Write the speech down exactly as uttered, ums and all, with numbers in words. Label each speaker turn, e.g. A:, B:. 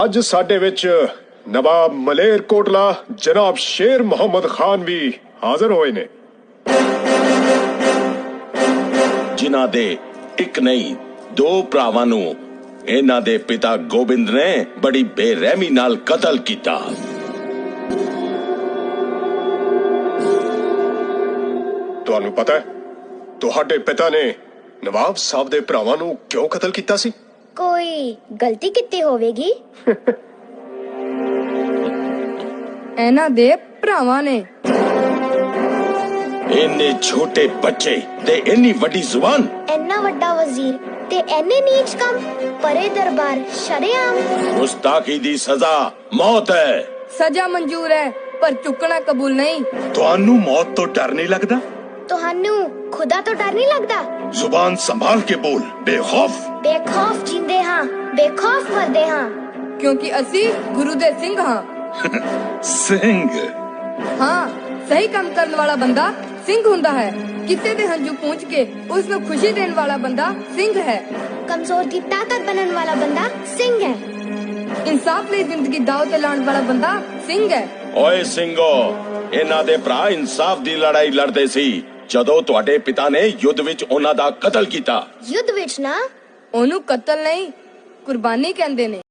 A: ਅੱਜ ਸਾਡੇ ਵਿੱਚ ਨਵਾਬ ਮਲੇਰਕੋਟਲਾ ਜਨਾਬ ਸ਼ੇਰ ਮੁਹੰਮਦ ਖਾਨ ਵੀ ਹਾਜ਼ਰ ਹੋਏ ਨੇ,
B: ਜਿਨ੍ਹਾਂ ਦੇ ਇੱਕ ਨਹੀਂ ਦੋ ਭਰਾਵਾਂ ਨੂੰ ਇਹਨਾਂ ਦੇ ਪਿਤਾ ਗੋਬਿੰਦ ਨੇ ਬੜੀ ਬੇਰਹਿਮੀ ਨਾਲ ਕਤਲ ਕੀਤਾ।
A: ਤੁਹਾਨੂੰ ਪਤਾ ਹੈ ਤੁਹਾਡੇ ਪਿਤਾ ਨੇ ਨਵਾਬ ਸਾਹਿਬ ਦੇ ਭਰਾਵਾਂ ਨੂੰ ਕਿਉਂ ਕਤਲ ਕੀਤਾ ਸੀ?
C: ਕੋਈ ਗਲਤੀ ਕੀਤੀ ਹੋਵੇਗੀ।
D: ਇਹਨਾਂ ਦੇ ਭਰਾਵਾਂ ਨੇ
B: ਇੰਨੇ ਛੋਟੇ ਬੱਚੇ ਤੇ ਇੰਨੀ ਵੱਡੀ ਜ਼ੁਬਾਨ,
C: ਇੰਨਾ ਵੱਡਾ ਵਜ਼ੀਰ ਤੇ ਇੰਨੇ ਨੀਚ ਕੰਮ, ਪਰੇ ਦਰਬਾਰ ਸ਼ਰੇਆਮ।
B: ਗੁਸਤਾਖੀ ਦੀ ਸਜ਼ਾ ਮੌਤ ਹੈ।
D: ਸਜ਼ਾ ਮਨਜ਼ੂਰ ਹੈ ਪਰ ਚੁੱਕਣਾ ਕਬੂਲ ਨਹੀਂ।
B: ਤੁਹਾਨੂੰ ਮੌਤ ਤੋਂ ਡਰ ਨਹੀਂ ਲੱਗਦਾ?
C: ਤੁਹਾਨੂੰ ਖੁਦਾ ਤੋਂ ਡਰ ਨਹੀਂ ਲੱਗਦਾ?
B: ਜ਼ੁਬਾਨ ਸੰਭਾਲ ਕੇ ਬੋਲ, ਬੇਖੌਫ।
C: ਬੇਖੌਫ ਜਿੰਦੇ ਹਾਂ, ਬੇਖੌਫ ਮਰਦੇ ਹਾਂ,
D: ਕਿਉਂਕਿ ਅਸੀਂ ਗੁਰੂ ਦੇ ਸਿੰਘ ਹਾਂ।
B: ਸਿੰਘ?
D: ਹਾਂ, ਸਹੀ ਕੰਮ ਕਰਨ ਵਾਲਾ ਬੰਦਾ ਸਿੰਘ ਹੁੰਦਾ ਹੈ। ਕਿਸੇ ਦੇ ਹੰਝੂ ਪੂੰਝ ਕੇ ਉਸ ਨੂੰ ਖੁਸ਼ੀ ਦੇਣ ਵਾਲਾ ਬੰਦਾ ਸਿੰਘ ਹੈ।
C: ਕਮਜ਼ੋਰ ਦੀ ਤਾਕਤ ਬਣਨ ਵਾਲਾ ਬੰਦਾ ਸਿੰਘ ਹੈ।
D: ਇਨਸਾਫ ਲਈ ਜ਼ਿੰਦਗੀ ਦਾਅ ਤੇ ਲਾਉਣ ਵਾਲਾ ਬੰਦਾ ਸਿੰਘ ਹੈ।
B: ਓਏ ਸਿੰਘੋ, ਇਹਨਾਂ ਦੇ ਭਰਾ ਇਨਸਾਫ ਦੀ ਲੜਾਈ ਲੜਦੇ ਸੀ ਜਦੋਂ ਤੁਹਾਡੇ ਪਿਤਾ ਨੇ ਯੁੱਧ ਵਿੱਚ ਉਹਨਾਂ ਦਾ ਕਤਲ ਕੀਤਾ।
C: ਯੁੱਧ ਵਿੱਚ ਨਾ,
D: ਉਹਨੂੰ ਕਤਲ ਨਹੀਂ, ਕੁਰਬਾਨੀ ਕਹਿੰਦੇ ਨੇ।